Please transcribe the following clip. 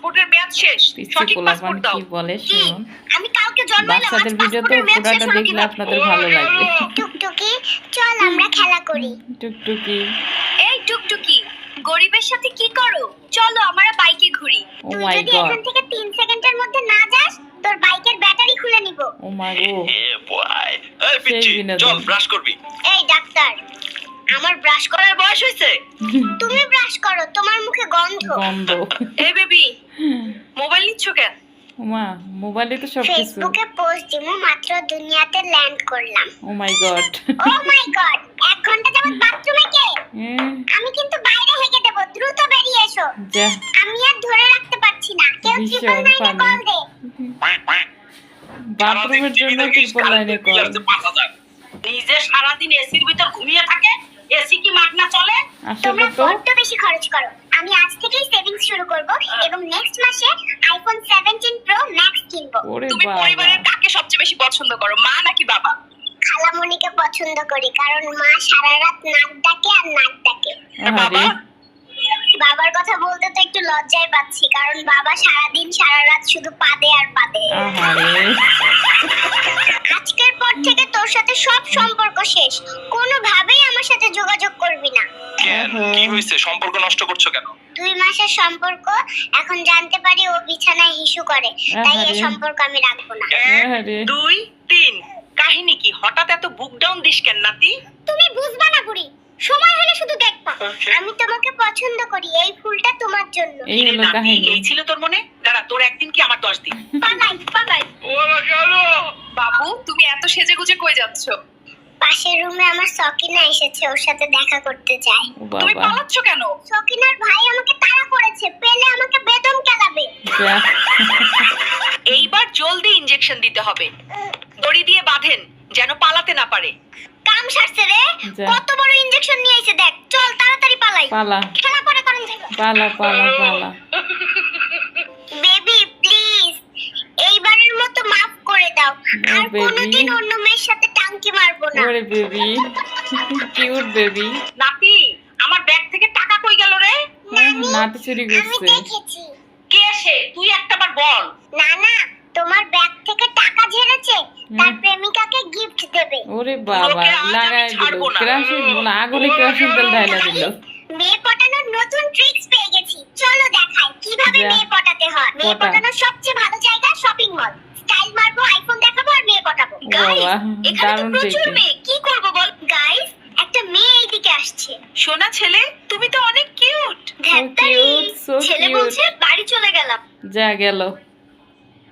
পাসপোর্টের মেয়াদ শেষ, সঠিক পাসপোর্ট দাও। কি বলে শুনুন, আমি কালকে জন্মাইলাম, আজ বাচ্চাদের ভিডিও তো পাসপোর্টের মেয়াদ শেষ পুরাটা হলো দেখলে কিভাবে? আপনাদের ভালো লাগবে। টুকটুকি চল আমরা খেলা করি। টুকটুকি, এই টুকটুকি, গরিবের সাথে কি করো? চলো আমরা বাইকে ঘুরি। ও তুই মাই যদি গড, এখান থেকে 3 সেকেন্ডের মধ্যে না যাস তোর বাইকের ব্যাটারি খুলে নিব। ও মাই গো, এই পিচ্চি, সেই বিনোদন। চল ব্রাশ করবি। এই ডাক্তার, আমার ব্রাশ করার করার বয়স হয়েছে? তুমি ব্রাশ করো, তোমার মুখে গন্ধ। গন্ধ। এই বেবি, মোবাইল নিচ্ছ কেন? মা মোবাইলে তো সব কিছু। ফেসবুকে পোস্ট দিমু, মাত্র দুনিয়াতে ল্যান্ড করলাম। ও মাই গড, ও মাই গড, 1 ঘন্টা যাবত বাথরুমে কে? আমি কিন্তু বাইরে হেগে দেব, দ্রুত বেরিয়ে এসো। যা, আমি আর ধরে রাখতে পারছি না, কেউ ভীষণ 999 কল দে। বাথরুমের জন্য ট্রিপল লাইনে কল। নিজে সারাদিন এসির ভিতর ঘুমিয়ে থাকে, এসি কি মাগনা চলে? আসলে তোমরা তো বড্ড বেশি খরচ করো। আমি আজ থেকেই সেভিংস শুরু করব এবং নেক্সট মাসে আইফোন 17 প্রো ম্যাক্স কিনবো। ওরে তুমি বাবা, পরিবারের কাকে সবচেয়ে বেশি পছন্দ করো, মা নাকি বাবা? খালামণিকে পছন্দ করি, কারণ মা সারা রাত নাক ডাকে আর নাক ডাকে। আরে বাবার কথা বলতে তো একটু লজ্জায় পাচ্ছি, কারণ বাবা সারাদিন সারা রাত শুধু পাদে আর পাদে। আহারে, আজকের পর থেকে তোর সাথে সব সম্পর্ক শেষ, কোনোভাবেই আমার সাথে যোগাযোগ করবি না। কেন, কি হয়েছে? সম্পর্ক নষ্ট করছো কেন? 2 মাসের সম্পর্ক, এখন জানতে পারি ও বিছানায় হিসু করে, তাই এই আহারে। সম্পর্ক আমি রাখবো না। 1 আহারে। 2 3, কাহিনী কি? হঠাৎ এত বুক ডাউন দিস কেন নাতি? তুমি বুঝবা না বুড়ি, সময় হলে শুধু দেখবা। আমি তোমাকে পছন্দ করি, এই ফুলটা তোমার জন্য। এই হলো নাতি, কাহিনী। এই ছিল তোর মনে? দাঁড়া, তোর একদিন কি আমার 10 দিন। পালাই পালাই। ওরা গেল। বাবু, তুমি এত সেজেগুজে কই যাচ্ছ? পাশের রুমে আমার সকিনা এসেছে, ওর সাথে দেখা করতে চাই। ও তুমি বাবা, পালাচ্ছ কেন? সকিনার ভাই আমাকে তাড়া করেছে, পেলে আমাকে বেদম কেলাবে। যা, এইবার জলদি ইনজেকশন দিতে হবে। দড়ি দিয়ে বাঁধেন যেন পালাতে না পারে। কাম সারছে রে, যা। কত বড় ইনজেকশন নিয়ে এসে দেখ। চল তাড়াতাড়ি পালাই, পালা খেলা পরে করেন থেকে। পালা পালা পালা। বেবি প্লিজ, এইবারের মতো মাফ করে দাও, No, আর baby. কোনোদিন অন্য মেয়ের সাথে টাঙ্কি মারবো না। ওরে বেবি, কিউট বেবি। নাতি, আমার ব্যাগ থেকে টাকা কই গেল রে? নাতি চুরি আমি করছে। দেখেছি। কে সে? তুই একটাবার বল। না না, তোমার ব্যাগ থেকে টাকা ঝেড়েছে, তার প্রেমিকাকে গিফট দেবে। ওরে বাবা, ওকে আজ আমি লাগাই দিল ছাড়বো না। কেরাসিন, আগুনে কেরাসিন তেল ঢাইলা দিল। মেয়ে পটানোর নতুন ট্রিক্স পেয়ে গেছি, চলো দেখাই কিভাবে যা। মেয়ে পটাতে হয়। মেয়ে পটা। পটানোর সবচেয়ে ভালো জায়গা শপিং মল। স্টাইল মারবো, আইফোন দেখাবো আর মেয়ে পটাবো। ও বাবা, এখানে তো দারুণ প্রচুর দেখতে। মেয়ে, কি করব বল? গাইস, একটা মেয়ে এইদিকে আসছে। সোনা ছেলে, তুমি তো অনেক কিউট। ধ্যাত্তারি, cute, so ছেলে cute. বলছে বাড়ি চলে গেলাম। যা গেল।